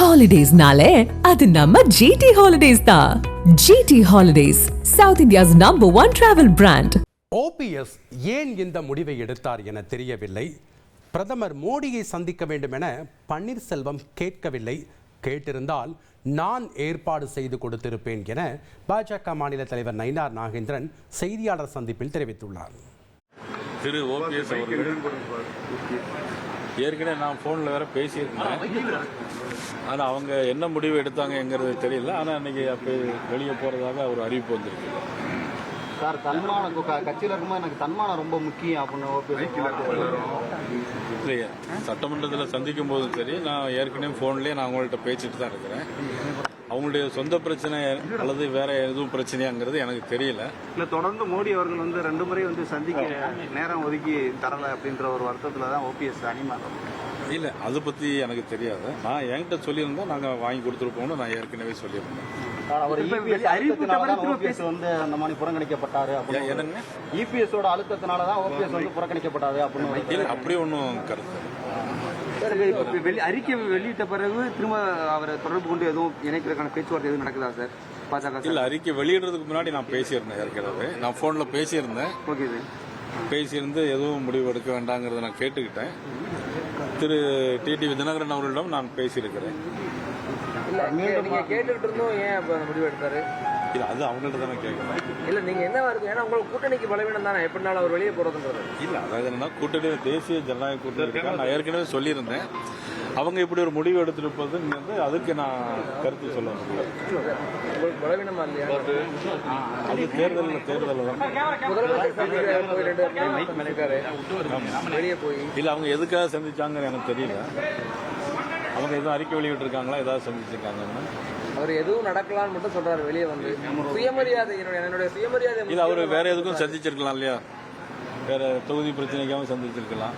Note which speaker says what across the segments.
Speaker 1: ஹாலிடேஸ்னாலே அது நம்ம ஜிடி ஹாலிடேஸ் தான். GT holidays, South India's number 1 travel brand.
Speaker 2: OPS ஏன் இந்த முடிவை எடுத்தார் என தெரியவில்லை. பிரதமர் மோடியை சந்திக்க வேண்டும் என பன்னீர்செல்வம் கேட்கவில்லை. கேட்டிருந்தால் நான் ஏற்பாடு செய்து கொடுத்திருப்பேன் என பாஜக மாநில தலைவர் நயினார் நாகேந்திரன் செய்தியாளர் சந்திப்பில் தெரிவித்துள்ளார்.
Speaker 3: திரு ஓபிஎஸ் அவர்கள் ஏற்கனவே நான் ஃபோனில் வேற பேசியிருந்தேன். ஆனால் அவங்க என்ன முடிவு எடுத்தாங்கங்கிறது தெரியல. ஆனால் அன்றைக்கி அப்போ வெளியே போகிறதாக ஒரு அறிவிப்பு வந்திருக்கு.
Speaker 4: சார், தன்மானம் கட்சியில் இருக்கும்போது எனக்கு தன்மானம் ரொம்ப முக்கியம் அப்படின்னு
Speaker 3: இல்லையா, சட்டமன்றத்தில் சந்திக்கும் போதும் சரி, நான் ஏற்கனவே ஃபோன்லேயே நான் அவங்கள்ட்ட பேசிட்டு தான் இருக்கிறேன். அவங்களுடைய சொந்த பிரச்சனை அல்லது வேற எதுவும் பிரச்சனையாங்கிறது எனக்கு தெரியல.
Speaker 4: இல்லை, தொடர்ந்து மோடி அவர்கள் 2 முறை சந்திக்க நேரம் ஒதுக்கி தரலை அப்படின்ற ஒரு வருத்தத்தில் தான் ஓபிஎஸ் அணிமாறும்.
Speaker 3: இல்லை, அதை பற்றி எனக்கு தெரியாது. நான் என்கிட்ட சொல்லியிருந்தேன், நாங்கள் வாங்கி கொடுத்துருப்போம்னு நான் ஏற்கனவே சொல்லியிருந்தேன். அந்த மாதிரி புறக்கணிக்கப்பட்டாரு என்னங்க,
Speaker 4: இபிஎஸோட அழுத்தத்தினாலதான் ஓபிஎஸ் புறக்கணிக்கப்பட்டாரு அப்படின்னு.
Speaker 3: இல்லை, அப்படி ஒன்றும் கருத்து.
Speaker 4: அறிக்கை வெளியிட்ட பிறகு திரும்ப அவரை தொடர்பு கொண்டு எதுவும் இணைக்கிறதுக்கான பேச்சுவார்த்தை எதுவும் நடக்குதா சார் பாஜக?
Speaker 3: இல்லை, அறிக்கை வெளியிடுறதுக்கு முன்னாடி நான் பேசியிருந்தேன். ஏற்கனவே நான் ஃபோனில் பேசியிருந்தேன்.
Speaker 4: ஓகே சார்,
Speaker 3: பேசியிருந்து எதுவும் முடிவு எடுக்க வேண்டாங்கிறத நான் கேட்டுக்கிட்டேன். திரு டிடிவி தினகரன் அவர்களிடம் நான் பேசியிருக்கிறேன்.
Speaker 5: நீங்க கேட்டுக்கிட்டு இருந்தோம், ஏன் அப்ப முடிவு எடுத்தாரு?
Speaker 3: இல்ல, அது அவங்கள்ட்ட தானே கேட்கணும்.
Speaker 5: இல்ல, நீங்க என்ன வருது, ஏன்னா உங்களுக்கு கூட்டணிக்கு பலவீனம் தானே, எப்படினாலும் அவர் வெளியே போறதுன்றது.
Speaker 3: இல்ல, அதாவது என்னன்னா, கூட்டணி தேசிய ஜனநாயக கூட்டணி நான் ஏற்கனவே சொல்லியிருந்தேன். அவங்க இப்படி ஒரு முடிவு எடுத்திருப்பதுங்கிறது அதுக்கு நான் கருத்து சொல்ல முடியாது.
Speaker 5: உங்களுக்கு பலவீனமா இல்லையா?
Speaker 3: அது தேர்தல் தான்.
Speaker 5: வெளியே போய்
Speaker 3: இல்ல, அவங்க எதுக்காக சந்திச்சாங்கன்னு எனக்கு தெரியல. அவங்க எதுவும் அறிக்கை வெளியிட்டிருக்காங்களா, ஏதாவது சந்திச்சிருக்காங்கன்னா?
Speaker 5: அவர் எதுவும் நடக்கலாம்னு மட்டும் சொல்றாரு. வெளியே வந்து சுயமரியாதை, என்னுடைய சுயமரியாதை.
Speaker 3: இல்ல, அவரு வேற எதுக்கும் சந்திச்சிருக்கலாம் இல்லையா? வேற தொகுதி பிரச்சனைக்காகவும் சந்திச்சிருக்கலாம்,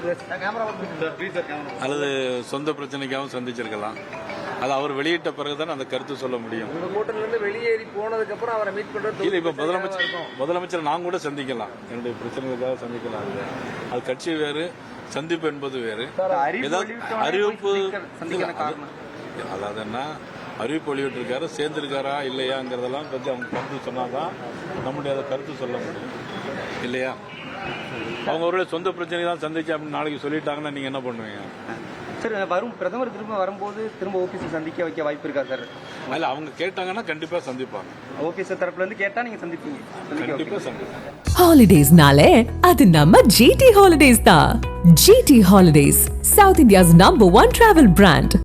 Speaker 3: அல்லது சொந்த பிரச்சனைக்காகவும் சந்திச்சிருக்கலாம். அது அவர் வெளியிட்ட பிறகுதான் அந்த கருத்து சொல்ல முடியும்.
Speaker 5: உங்க கூட்டணில இருந்து வெளியேறி போனதுக்கு அப்புறம் அவரை மீட் பண்றது
Speaker 3: இல்ல. இப்ப முதலமைச்சர் நான் கூட சந்திக்கலாம், என்னுடைய பிரச்சனைகளுக்காக சந்திக்கலாம். அது கட்சி வேறு, சந்திப்பு என்பது வேறு. அறிவிப்பு, அதாவது என்ன அறிவிப்பு வெளியிட்டிருக்காரு, சேர்ந்திருக்காரா இல்லையாங்கிறதெல்லாம் பற்றி அவங்க கருத்து சொன்னாதான் நம்முடைய அதை கருத்து சொல்ல முடியும் இல்லையா? அவங்க அவருடைய சொந்த பிரச்சனை தான் சந்திச்சு அப்படின்னு நாளைக்கு சொல்லிட்டாங்கன்னா நீங்க என்ன பண்ணுவீங்க?
Speaker 4: சார், வரும் பிரதமர் திரும்ப வரும்போது திரும்ப ஓபிஎஸ் சந்திக்க வைக்க வாய்ப்பு இருக்கா சார்?
Speaker 3: இல்ல, அவங்க கேட்டாங்கன்னா கண்டிப்பா சந்திப்பாங்க.
Speaker 4: ஓபிஎஸ் தரப்புல இருந்து கேட்டா நீங்க சந்திப்பீங்க?
Speaker 3: கண்டிப்பா சந்திப்பாங்க.
Speaker 1: ஹாலிடேஸ்னாலே அது நம்ம ஜிடி ஹாலிடேஸ் தான். GT holidays, South India's number 1 travel brand.